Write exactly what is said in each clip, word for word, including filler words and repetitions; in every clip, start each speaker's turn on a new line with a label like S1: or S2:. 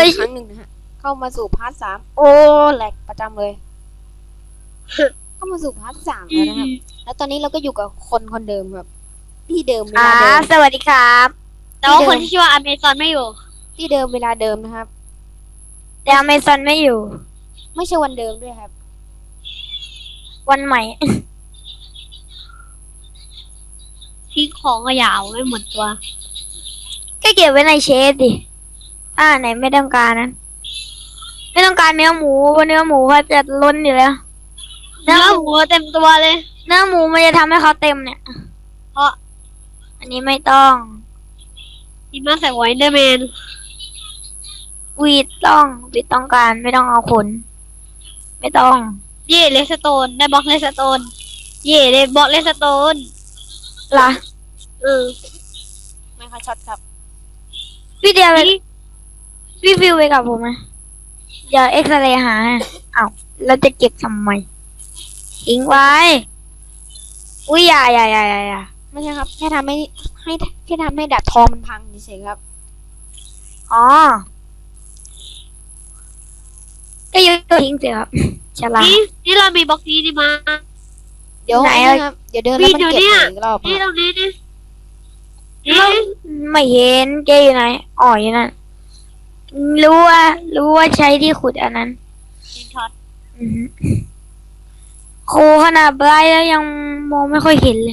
S1: อีกครั้งหนึ่งนะฮะเข้ามาสู่พาร์ทสามโอ้แหลกประจำเลยเข้ามาสู่พาร์ทสามแล้วนะครับแล้วตอนนี้เราก็อยู่กับคนคนเดิมครับที่เดิมเว
S2: อ่า
S1: ลาเดิม
S2: สวัสดีครับแต่ว่าคนที่ชื่อว่าอเมซอนไม่อยู่
S1: ที่เดิมเวลาเดิมนะครับ
S2: แต่อเมซอนไม่อยู่
S1: ไม่ใช่วันเดิมด้วยครับ
S2: วันใหม่ ทิ้งของก็ยาวไม่หมดตัว ก็เก็บไว้ในเชฟดิอ่าไหนไม่ต้องการนั้น ไม่ต้องการเนื้อหมูเพราะเนื้อหมูเขาจะล้นอยู่แล้ว เนื้อหมูเต็มตัวเลย เนื้อหมูมันจะทำให้เขาเต็มเนี่ย เพราะ อันนี้ไม่ต้องที่มาใส่ไว้เดอร์แมนวีดต้องวีดต้องการไม่ต้องเอาขนไม่ต้อง เย่เลสโตนได้บล็อกเลสโตน เย่ได้บล็อกเลสโตนล่ะเออ
S1: ไม่ค่อยช็อตครับ
S2: พี่เดียวไปพี่ฟิวไปกับผมไหมอย่าเอ็กซเรย์หาอ้าวแล้วจะเก็บทำไมทิ้งไว้อุ้ยอย่าอย่าอย่าอย่าอย่า
S1: ไม่ใช่ครับแค่ทำให้ให้แค่ทำให้ดัดทองมันพังเฉยๆครับ
S2: อ๋อก็ยกตัวทิ้งสิครับฉลาด
S3: นี่นี่เรามีบล็อกนี้ดีมา
S1: เดี๋ยว
S2: ไหนอะ
S1: นะครับเดี๋ยวเดินแล้วมันเก็บใหม่อีกรอบ
S3: นี่
S1: ค
S3: ต
S1: รับ
S3: รงนี้นี่นี่
S2: ไม่เห็นแกอยู่ไหนอ๋ออยู่นั่นรู้ว่ารู้ว่าใช้ที่ขุดอันนั้น
S3: กินช็อต
S2: อือหือโคขนาดไบรท์แล้วยังมองไม่ค่อยเห็นเลย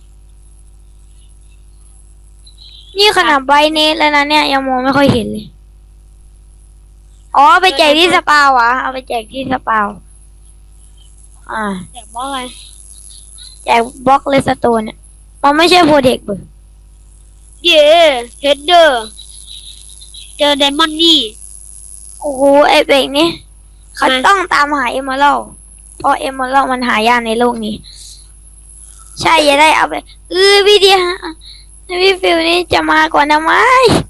S2: นี่ขนาดไบรท์เนสแล้วนะเนี่ยยังมองไม่ค่อยเห็นเลย อ๋อไปแจกที่สปาวะเอาไปแจกที่สปาวอ่า
S3: แต่บล็อกอะไร
S2: แจกบล็อกเลสโตนเนี่ยมันไม่ใช่โปรเทคเบอร์
S3: เย่เฮดเดอร์เจอไดมอนด์นี่
S2: โอ้โหไอเบกนี่เขา
S3: ทำไม
S2: ต้องตามหาเอมเมอรัลเพราะเอมเมอรัลมันหายากในโลกนี้ ใช่จะได้เอาไปเออพี่เดียพี่ฟิวนี่จะมาก่อนทำไม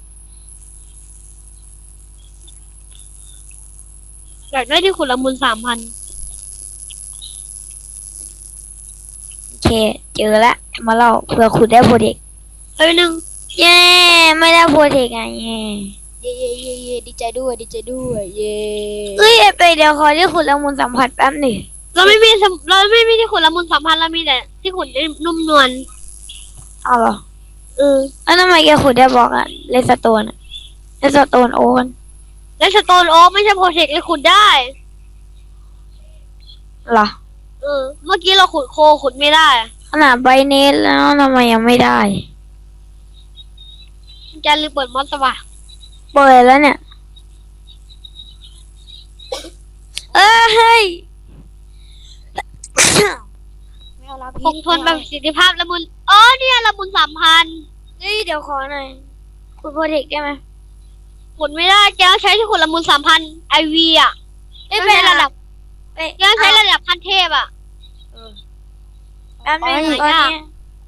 S3: อยากได้ที่ขุดละมุนสามพัน
S2: โอเค เจอละเอมเมอรัลเผื่อขุดได้โปรเทค
S3: เฮ้ยหนึ่ง
S2: เย้ไม่ได้โปรเทคไงเย้
S1: เย่เย่เย่เย่ดีใจด้วยดีใจด้วยเย่
S2: เอ้ยไอเบกเดี๋ยวขอที่ขุดละมุนสัมผัสแป๊บหนึ่ง
S3: เราไม่มีสมเราไม่มีที่ขุดละมุนสามพันเรามีแต่ที่ขุดได้นุ่มนวล
S2: เอาเหรอ
S3: เออ
S2: แล้วทำไมแกขุดได้บล็อกอะเลสโตนอะเลสโตนโอน
S3: และสโตนโอ๊กไม่ใช่โปรเทคเลยขุดได้
S2: เหรอ
S3: เออ เมื่อกี้เราขุดโคขุดไม่ได้
S2: ขนาดไบเนสแล้วทำไมยังไม่ได้
S3: จะลืมเปิดมอสวะ
S2: เปิดแล้วเนี่ย เอ้ยเฮ้ย
S1: ไม่เอาละ
S3: คงทนแบบประสิทธิภาพละมุนอ๋อเนี่ยละมุนสามพัน
S2: เฮ้ยเดี๋ยวขอหน่อยคุณโปรเทคได้ไหม
S3: ขุดไม่ได้แกต้องใช้ที่ขุดละมุนสามพันไอวีอ่ะ
S2: เอ้ย
S3: ไม่เป็นระดับ
S2: เอ้ย
S3: แกต้องใช้ระดับขั้นเทพอ่ะ
S2: แป๊บนึง
S3: อ๋อ
S2: ตอนนี้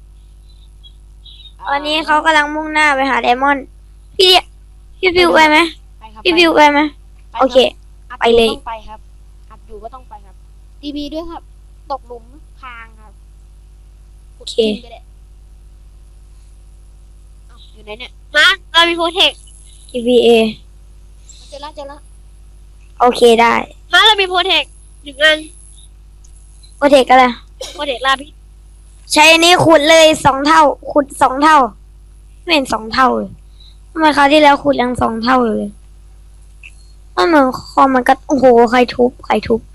S2: ตอนนี้เขากำลังมุ่งหน้าไปหาไดมอนด์พี่พี่ฟิวไปไหม
S1: ไปครับ
S2: พี่ฟิวไปไหม
S1: ไป
S2: โอเค
S1: อัด
S2: ไปเลย
S1: ต้องไปครับอัดอยู่ก็ต้องไปครับดีบีด้วยครับ ตกหลุมพรางครับ
S2: โอเค
S1: กินไปเลยเอ้าอยู่ไหนเนี่ย
S3: มาเรามีโปรเทค
S2: ที วี เอ
S1: เจอละเจอละ
S2: โอเคได้
S3: มาเรามีโปรเทคหนึ่งอัน
S2: โปรเทคก็เลย
S3: โปรเทคลาพิษ
S2: ใช้อันนี้ขุดเลยสองเท่า ขุดสองเท่า ไม่เห็นสองเท่าเลยทำไมคราวที่แล้วขุดยังสองเท่าเลยมันเหมือนคอมมันก็โอ้โหใครทุบใครทุบ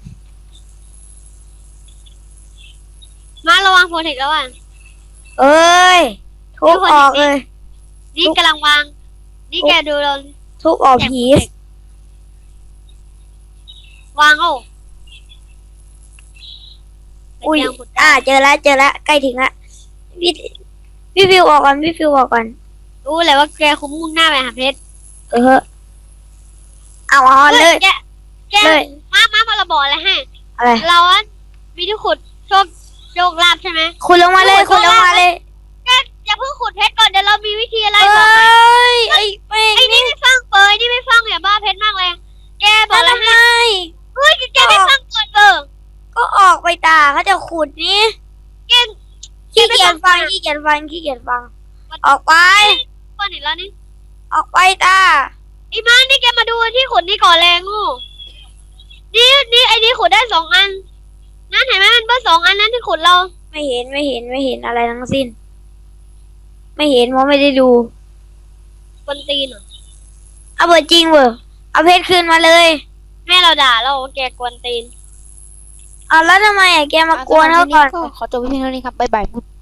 S3: มาระวังโปรเทคแล้วอ่ะ
S2: เอ้ย ทุบออกเลย
S3: นี่กำลังวาง นี่แกดูเรา
S2: ทุบออกพีซ
S3: วางเอา
S2: อุ้ย
S3: แต่แกขุดได้
S2: อ่า เจอแล้วเจอแล้วใกล้ถึงละพี่พี่ฟิวออกก่อนพี่ฟิวออกก่อน
S3: รู้เลยว่าแกคุ้มมุ่งหน้าไปหาเพชร
S2: เออเอาเอาเลย
S3: แกแก
S2: เลย
S3: มามามาเราบอกอะไรให้
S2: อะไร
S3: เราอะมีที่ขุดโชคโชคลาภใช่ไหม
S2: ขุดลงมาเลยขุดลงมาเลย
S3: แกอย่าเพิ่งขุดเพชรก่อนเดี๋ยวเรามีวิธีอะไร
S2: เอ้
S3: บอกให้
S2: ยไอ้แม่ง
S3: ไอ้นี่ไม่ฟังเปยนี่ไม่ฟังอย่าบ้าเพชรมากเลย แกบอกอะไร
S2: ทำไม
S3: ให้เฮ้ยแกไม่ฟังก่อนเออ
S2: ก็ออกไปตาเขาจะขุดนี่
S3: แก
S2: ขี้เกียจฟังขี้เกียจฟังขี้เกียจฟัง ออกไป
S3: ก่อนเห็นแล้วนี่
S2: ออกไปตา
S3: ไอ้บ้านนี่แกมาดูที่ขุดนี่ก่อนแรงงูนี่นี่ไอ้นี่ขุดได้สองอันนั่นเห็นไหมมันเบอร์สองอันนั้นที่ขุดเรา
S2: ไม่เห็นไม่เห็นไม่เห็นอะไรทั้งสิ้น ไม่เห็นเพราะไม่ได้ดู
S3: บนตีนเหรอ
S2: เอาเบอร์จริงเบอร์เอาเพชรคืนมาเลย
S3: แม่เราด่าเราว่าแกกวนตีน
S2: เอาแล้วทำไมอะแกมากวนเขาก่อน
S1: ขอจบวิดีโอนี้ครับบ๊ายบาย